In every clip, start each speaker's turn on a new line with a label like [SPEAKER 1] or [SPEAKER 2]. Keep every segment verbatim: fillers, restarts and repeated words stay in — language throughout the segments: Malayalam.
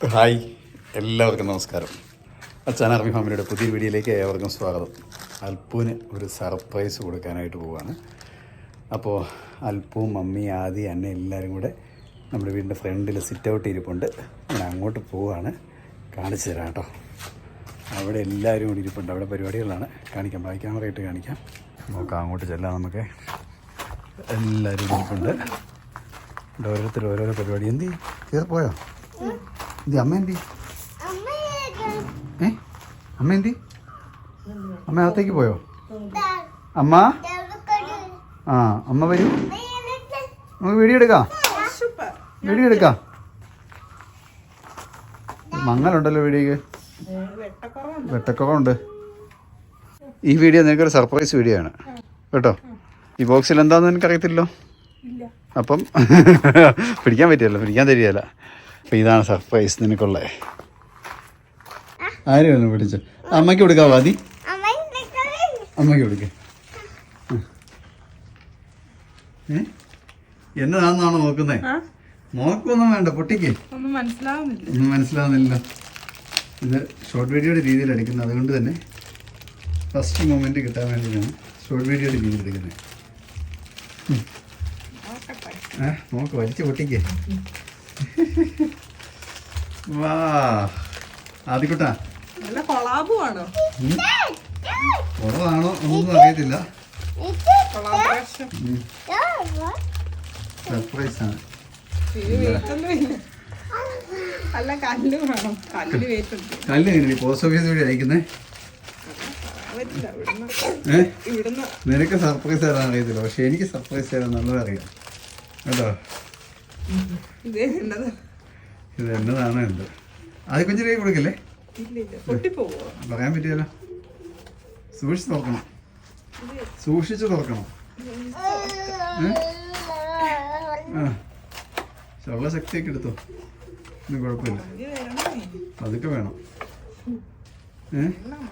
[SPEAKER 1] ഹായ്, എല്ലാവർക്കും നമസ്കാരം. അച്ചാൻ ആർമി ഫാമിലിയുടെ പുതിയ വീഡിയോയിലേക്ക് ഏവർക്കും സ്വാഗതം. അൽപ്പൂന് ഒരു സർപ്രൈസ് കൊടുക്കാനായിട്ട് പോവുകയാണ്. അപ്പോൾ അൽപ്പവും മമ്മി ആദി അന്നെ എല്ലാവരും കൂടെ നമ്മുടെ വീടിൻ്റെ ഫ്രണ്ടിൽ സിറ്റ് ഔട്ട് ഇരിപ്പുണ്ട്. ഞാൻ അങ്ങോട്ട് പോവുകയാണ്, കാണിച്ചു തരാം കേട്ടോ. അവിടെ എല്ലാവരും കൂടി ഇരിപ്പുണ്ട്. അവിടെ പരിപാടികളാണ്, കാണിക്കാം, ബാക്കി ക്യാമറ ഇട്ട് കാണിക്കാം. നോക്കാം, അങ്ങോട്ട് ചെല്ലാം. നമുക്ക് എല്ലാവരും ഇരിപ്പുണ്ട്. ഓരോരുത്തർ ഓരോരോ പരിപാടി. എന്തി കയറി പോയോ? എന്തി അമ്മ എന്തി ഏ അമ്മ എന്തി അമ്മ അകത്തേക്ക് പോയോ? അമ്മ ആ അമ്മ വരൂ, നമുക്ക് വീഡിയോ എടുക്കാം, വീഡിയോ എടുക്കാം. മങ്ങലുണ്ടല്ലോ വീഡിയോക്ക്, വെട്ടക്കുറവുണ്ട്. ഈ വീഡിയോ നിനക്കൊരു സർപ്രൈസ് വീഡിയോ ആണ് കേട്ടോ. ഈ ബോക്സിൽ എന്താണെന്ന് എനിക്കറിയത്തില്ലോ, അപ്പം പിടിക്കാൻ പറ്റിയല്ലോ, പിടിക്കാൻ തരികയല്ല. അപ്പം ഇതാണ് സർപ്രൈസ് നിനക്കുള്ളത്. ആരും ഒന്ന് പിടിച്ചു. അമ്മയ്ക്ക് കൊടുക്കാവോ? ആദി അമ്മയ്ക്ക് കൊടുക്ക. ഏ എന്നതാണെന്നാണോ നോക്കുന്നേ? നോക്കൊന്നും വേണ്ട, പൊട്ടിക്ക്. ഒന്നും മനസ്സിലാവുന്നില്ല. ഇത് ഷോർട്ട് വീഡിയോയുടെ രീതിയിൽ എടുക്കുന്നത്, അതുകൊണ്ട് തന്നെ ഫസ്റ്റ് മൊമെന്റ് കിട്ടാൻ വേണ്ടിയാണ് ഷോർട്ട് വീഡിയോയുടെ രീതിയിൽ എടുക്കുന്നത്. ഏ നോക്ക്, വലിച്ച് പൊട്ടിക്ക്. വാ ആദിക്കുട്ടാ,
[SPEAKER 2] കൊളാബാണോ
[SPEAKER 1] ഒന്നും അറിയത്തില്ല. സർപ്രൈസ് ആണ്. കല്ല് എങ്ങനെ പോസ്റ്റ് ഓഫീസ് വഴി അയക്കുന്നേ? ഏ നിനക്ക് സർപ്രൈസ് തരാൻ അറിയത്തില്ല, പക്ഷെ എനിക്ക് സർപ്രൈസ് തരാൻ നല്ലത് അറിയാം കേട്ടോ. ഇത് എന്നതാണ് എന്ത്? അത് കുഞ്ഞിലേക്ക് കൊടുക്കല്ലേ, പറയാൻ പറ്റിയല്ലോ. സൂക്ഷിച്ച് തുറക്കണം, സൂക്ഷിച്ച് തുറക്കണം. ആ ചുള്ള ശക്തിയൊക്കെ എടുത്തോ, ഇത് കുഴപ്പമില്ല, അതൊക്കെ വേണം. ഏ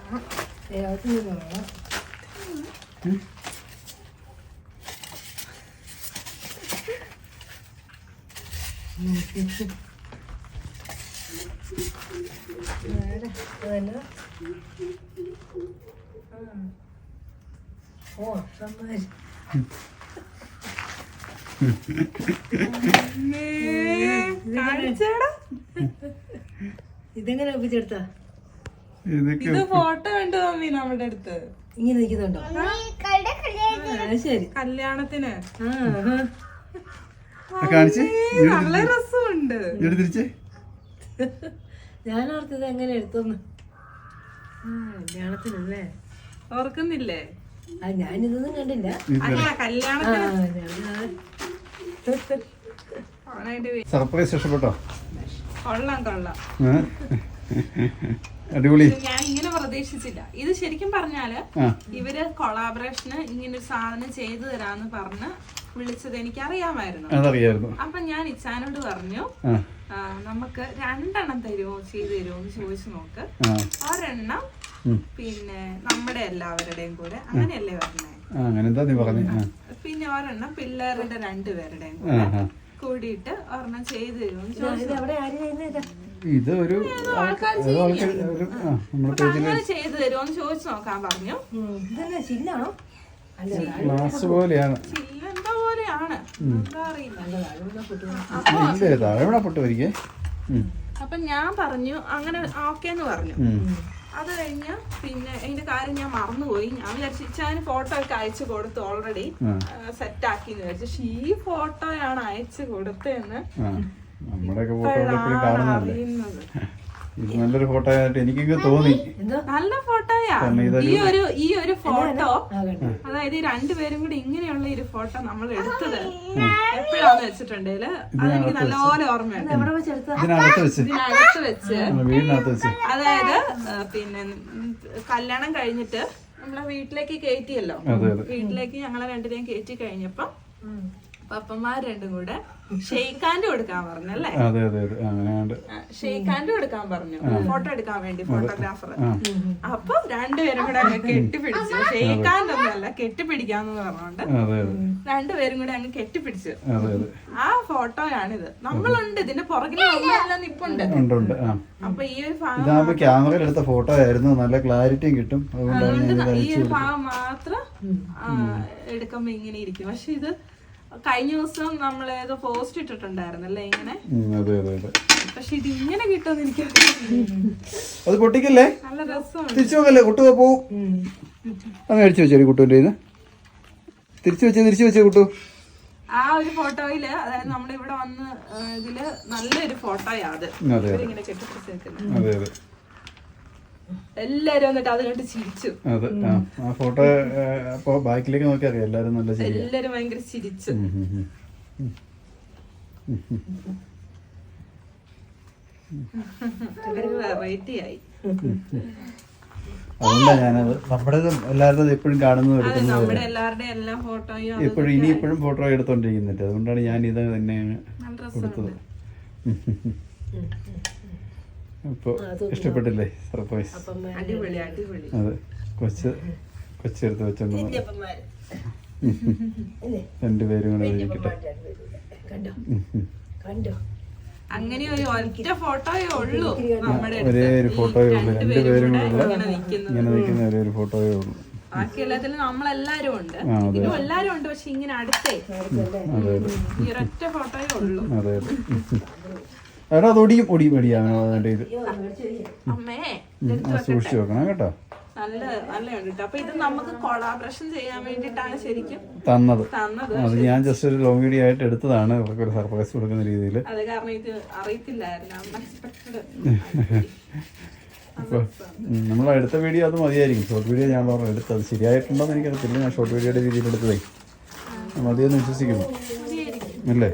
[SPEAKER 3] ഇതെങ്ങനെ ഒപ്പിച്ചെടുത്താ?
[SPEAKER 2] ഇത് ഫോട്ടോ ഉണ്ട് മമ്മി നമ്മുടെ അടുത്ത്.
[SPEAKER 3] ഇങ്ങനെ നിൽക്കുന്നുണ്ടോ? ശരി,
[SPEAKER 2] കല്യാണത്തിന്
[SPEAKER 1] നല്ല
[SPEAKER 2] രസമുണ്ട്.
[SPEAKER 3] ഞാനോർത്തത് എങ്ങനെ എടുത്തോന്ന്. കല്യാണത്തിനല്ലേ,
[SPEAKER 2] ഓർക്കുന്നില്ലേ?
[SPEAKER 3] ആ ഞാനിതൊന്നും കണ്ടില്ല.
[SPEAKER 1] സർപ്രൈസ് ഇഷ്ടപ്പെട്ടോ?
[SPEAKER 2] കൊള്ളാം കൊള്ളാം,
[SPEAKER 1] അടിപൊളി.
[SPEAKER 2] ഞാൻ ഇങ്ങനെ പ്രതീക്ഷിച്ചില്ല. ഇത് ശരിക്കും പറഞ്ഞാല് ഇവര് കൊളാബറേഷന് ഇങ്ങനെ ഒരു സാധനം ചെയ്തു തരാന്ന് പറഞ്ഞ് വിളിച്ചത് എനിക്കറിയാമായിരുന്നു. അപ്പൊ ഞാൻ ഇച്ചാനോട് പറഞ്ഞു, നമുക്ക് രണ്ടെണ്ണം തരുമോ, ചെയ്തു തരുമോ എന്ന് ചോദിച്ചു നോക്ക്. ഒരെണ്ണം പിന്നെ നമ്മുടെ എല്ലാവരുടെയും കൂടെ, അങ്ങനെയല്ലേ പറഞ്ഞേ? പിന്നെ ഒരെണ്ണം പിള്ളേരുടെ രണ്ടുപേരുടെയും കൂടെ കൂടിയിട്ട് ഒരെണ്ണം ചെയ്തു തരുമോ എന്ന് ചോദിച്ചു.
[SPEAKER 1] ഇത് ഒരു
[SPEAKER 2] ചെയ്തു തരുമോ എന്ന് ചോദിച്ചു നോക്കാൻ പറഞ്ഞു.
[SPEAKER 3] ചില്ലാണോ?
[SPEAKER 1] ഗ്ലാസ് പോലെയാണ്,
[SPEAKER 2] ചില്ലെന്താ പോലെയാണ്, എന്താ അറിയില്ല. അപ്പൊ ഞാൻ പറഞ്ഞു അങ്ങനെ ഓക്കേന്ന് പറഞ്ഞു. അത് കഴിഞ്ഞ് പിന്നെ അതിന്റെ കാര്യം ഞാൻ മറന്നുപോയി. ഞാൻ വിചാരിച്ചു ഇച്ചാന് ഫോട്ടോ ഒക്കെ അയച്ചു കൊടുത്തു, ഓൾറെഡി സെറ്റ് ആക്കിന്ന് വിചാരിച്ചു. പക്ഷെ ഈ ഫോട്ടോയാണ് അയച്ചു കൊടുത്തതെന്ന് അറിയുന്നത്.
[SPEAKER 1] നല്ലൊരു ഫോട്ടോ ആയിട്ട് എനിക്ക് തോന്നി.
[SPEAKER 2] നല്ല ഫോട്ടോയാ ഈ ഒരു ഈ ഒരു ഫോട്ടോ. അതായത് ഈ രണ്ടുപേരും കൂടി ഇങ്ങനെയുള്ള ഒരു ഫോട്ടോ നമ്മൾ എടുത്തത് എപ്പോഴാന്ന് വെച്ചിട്ടുണ്ടെങ്കില് അതെനിക്ക് നല്ലപോലെ ഓർമ്മയുണ്ട്.
[SPEAKER 1] ഇതിനകത്ത് വെച്ച്
[SPEAKER 2] ഇതിനകത്ത് വെച്ച്
[SPEAKER 1] വീടിനകത്ത് വെച്ച്
[SPEAKER 2] അതായത് പിന്നെ കല്യാണം കഴിഞ്ഞിട്ട് നമ്മളെ വീട്ടിലേക്ക് കയറ്റിയല്ലോ. വീട്ടിലേക്ക് ഞങ്ങളെ രണ്ടുപേരും കയറ്റി കഴിഞ്ഞപ്പം പപ്പന്മാർ രണ്ടും കൂടെ ഷെയ്ഖാന്റെ കൊടുക്കാൻ പറഞ്ഞു അല്ലേ?
[SPEAKER 1] അതെ അതെ അതെ അങ്ങനെയാണ്ട്
[SPEAKER 2] ഷെയ്ഖാന്റെ കൊടുക്കാൻ പറഞ്ഞു ഫോട്ടോ എടുക്കാൻ വേണ്ടി ഫോട്ടോഗ്രാഫർ. അപ്പൊ രണ്ടുപേരും കൂടെ അങ്ങ് കെട്ടിപ്പിടിച്ചു. ഷെയ്ഖാന്റെ ഒന്നല്ല കെട്ടിപ്പിടിക്കാന്ന് പറഞ്ഞോണ്ട് രണ്ടുപേരും കൂടെ അങ്ങ് കെട്ടിപ്പിടിച്ചു. ആ ഫോട്ടോയാണിത്. നമ്മളുണ്ട് ഇതിന്റെ പുറകിൽ നമ്മളെല്ലാം നിപ്പുണ്ട്. അപ്പൊ ഈ ഒരു ഭാഗം
[SPEAKER 1] ക്യാമറയിൽ എടുത്ത ഫോട്ടോ ആയിരുന്നു, നല്ല ക്ലാരിറ്റിയും കിട്ടും.
[SPEAKER 2] അതുകൊണ്ട് ഈ ഒരു ഭാഗം മാത്രം എടുക്കുമ്പോ ഇങ്ങനെ ഇരിക്കും. പക്ഷെ ഇത് കഴിഞ്ഞ ദിവസം നമ്മൾ ഏതോ പോസ്റ്റ് ഇട്ടിട്ടുണ്ടായിരുന്നല്ലേ ഇങ്ങനെ. പക്ഷെ ഇത് ഇങ്ങനെ കിട്ടുമെന്ന് എനിക്ക്
[SPEAKER 1] അത് പൊട്ടിക്കല്ലേ,
[SPEAKER 2] നല്ല രസമാണ്.
[SPEAKER 1] തിരിച്ചു നോക്കല്ലേ, കുട്ടു പോവും. അങ്ങ് അടിച്ചു വെച്ചേ കുട്ടുവിന്റെ ഇത് തിരിച്ചു വെച്ചേ തിരിച്ചു വെച്ചേ കുട്ടു.
[SPEAKER 2] ആ ഒരു ഫോട്ടോയില് അതായത് നമ്മുടെ ഇവിടെ വന്ന് ഇതില് നല്ലൊരു ഫോട്ടോയാ അത്. ഇങ്ങനെ കെട്ടിപ്പിടിച്ചേക്കുന്നത്.
[SPEAKER 1] അതെ അതെ
[SPEAKER 2] എല്ലാരും വന്നിട്ട് അത് കണ്ട് ചിരിച്ചു.
[SPEAKER 1] അതെ ആ ഫോട്ടോ അപ്പൊ ബാക്കിലേക്ക് നോക്കി അറിയാം എല്ലാരും നല്ല ചിരി.
[SPEAKER 2] എല്ലാരും ഭയങ്കര ചിരിച്ചു. വെറൈറ്റി ആയി.
[SPEAKER 1] അതുകൊണ്ടാ ഞാനത് നമ്മുടെ എല്ലാവരുടെയും എപ്പോഴും കാണുന്നത് എടുക്കുന്നത്.
[SPEAKER 2] നമ്മുടെ എല്ലാവരുടെയും എല്ലാ ഫോട്ടോയും
[SPEAKER 1] എപ്പോഴും ഇനി ഇപ്പോഴും ഫോട്ടോ എടുത്തോണ്ടിരിക്കുന്നുണ്ട്. അതുകൊണ്ടാണ് ഞാൻ ഇത് തന്നെയാണ് കൊടുത്തത്. അപ്പൊ ഇഷ്ടപ്പെട്ടില്ലേ സർപ്രൈസ്?
[SPEAKER 2] അടിപൊളി അടിപൊളി.
[SPEAKER 1] അതെ കൊച്ച് കൊച്ചെടുത്ത് വെച്ചോണ്ട് രണ്ടുപേരും കൂടെ ഇരിക്കട്ടെ.
[SPEAKER 2] അങ്ങനെ ഒരു ഒറ്റ ഫോട്ടോയേ ഉള്ളൂ നമ്മുടെ.
[SPEAKER 1] ഒരേ ഒരു ഫോട്ടോയേ ഉള്ളൂ, രണ്ടുപേരും കൂടെ ഇങ്ങനെ നിൽക്കുന്ന ഒരേ ഒരു ഫോട്ടോയേ ഉള്ളൂ.
[SPEAKER 2] ബാക്കി എല്ലാത്തിലും നമ്മളെല്ലാരും ഉണ്ട്, ഇതിലും എല്ലാരും ഉണ്ട്. പക്ഷെ ഇങ്ങനെ അടുത്തേ ഈ ഒരൊറ്റ ഫോട്ടോയേ ഉള്ളൂ.
[SPEAKER 1] അതെ അതെ എടാ അത് ഒടിയും ഒടിയും ഒടിയാണ് ഇത്.
[SPEAKER 2] അമ്മേ
[SPEAKER 1] സൂക്ഷിച്ചു വെക്കണം കേട്ടോ.
[SPEAKER 2] നല്ല നല്ലുണ്ട് കേട്ടോ. അപ്പൊ ഇത് നമുക്ക് കൊളാബറേഷൻ ചെയ്യാൻ വേണ്ടിട്ടാണ് ശരിക്കും
[SPEAKER 1] തന്നത്.
[SPEAKER 2] തന്നത്
[SPEAKER 1] അത് ഞാൻ ജസ്റ്റ് ഒരു ലോങ് വീഡിയോ ആയിട്ട് എടുത്തതാണ്, അവർക്ക് ഒരു സർപ്രൈസ് കൊടുക്കുന്ന രീതിയിൽ.
[SPEAKER 2] അതെ, കാരണം ഇത് അറിയത്തില്ലായിരുന്നു. അൺഎക്സ്പെക്ടഡ്.
[SPEAKER 1] അപ്പോൾ നമ്മൾ എടുത്ത വീഡിയോ അത് മതിയായിരിക്കും. ഷോർട്ട് വീഡിയോ ഞാൻ പറഞ്ഞു എടുത്തത് ശരിയായിട്ടുണ്ടോ എന്ന് എനിക്കറിയത്തില്ല. ഞാൻ ഷോർട്ട് വീഡിയോയുടെ രീതിയിൽ എടുത്തതേ മതിയെന്ന് വിശ്വസിക്കുന്നു അല്ലേ.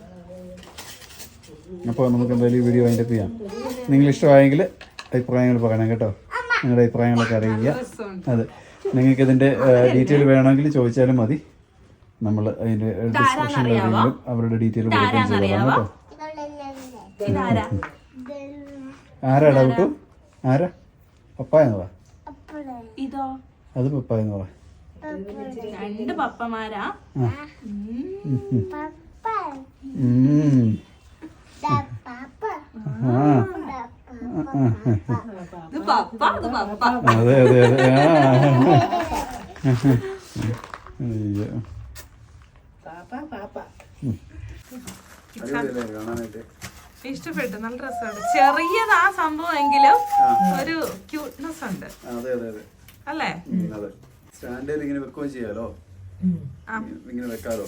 [SPEAKER 1] അപ്പോൾ നമുക്ക് എന്തായാലും ഈ വീഡിയോ വൈൻഡപ്പ് ചെയ്യാം. നിങ്ങൾ ഇഷ്ടമായെങ്കിൽ അഭിപ്രായങ്ങൾ പറയണം കേട്ടോ. നിങ്ങളുടെ അഭിപ്രായങ്ങളൊക്കെ അറിയിക്കുക. അതെ, നിങ്ങൾക്ക് ഇതിൻ്റെ ഡീറ്റെയിൽ വേണമെങ്കിൽ ചോദിച്ചാലും മതി. നമ്മൾ അതിൻ്റെ ഡിസ്ക്രിപ്ഷനിൽ ആണെങ്കിലും അവരുടെ ഡീറ്റെയിൽ കൊടുക്കുകയും ചെയ്തോളാം കേട്ടോ. ആരാടാ കുട്ടു? ആരാ? പപ്പായെന്ന് പറ.
[SPEAKER 2] ഇതോ?
[SPEAKER 1] അത് പപ്പായെന്ന് പറ.
[SPEAKER 2] രണ്ട് പപ്പമാരാ.
[SPEAKER 1] അതെ അതെ അതെ
[SPEAKER 2] ഇഷ്ടപ്പെട്ടു, നല്ല രസമുണ്ട്. ചെറിയതാ സംഭവം എങ്കിലും ഒരു ക്യൂട്ട്നെസ് ഉണ്ട് അല്ലേ?
[SPEAKER 1] സ്റ്റാൻഡിൽ ഇങ്ങനെ വെക്കുകയും ചെയ്യാലോ, ഇങ്ങനെ വെക്കാലോ.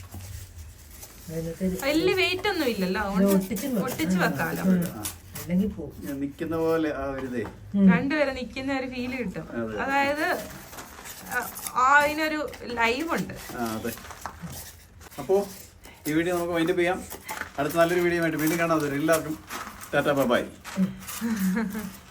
[SPEAKER 2] വലിയ വെയിറ്റ് ഒന്നും ഇല്ലല്ലോ, ഒട്ടിച്ച് വെക്കാലോ.
[SPEAKER 1] നിക്കുന്ന പോലെ
[SPEAKER 2] രണ്ടുപേരെ നിക്കുന്ന ഒരു ഫീല് കിട്ടും. അതായത് അതിനൊരു ലൈവ് ഉണ്ട്.
[SPEAKER 1] അപ്പോ ഈ വീഡിയോ നമുക്ക് വൈൻഡപ്പ് ചെയ്യാം. അടുത്ത നല്ലൊരു വീഡിയോ ആയിട്ട് വീണ്ടും കാണാം. എല്ലാവർക്കും ടാറ്റാ ബൈ.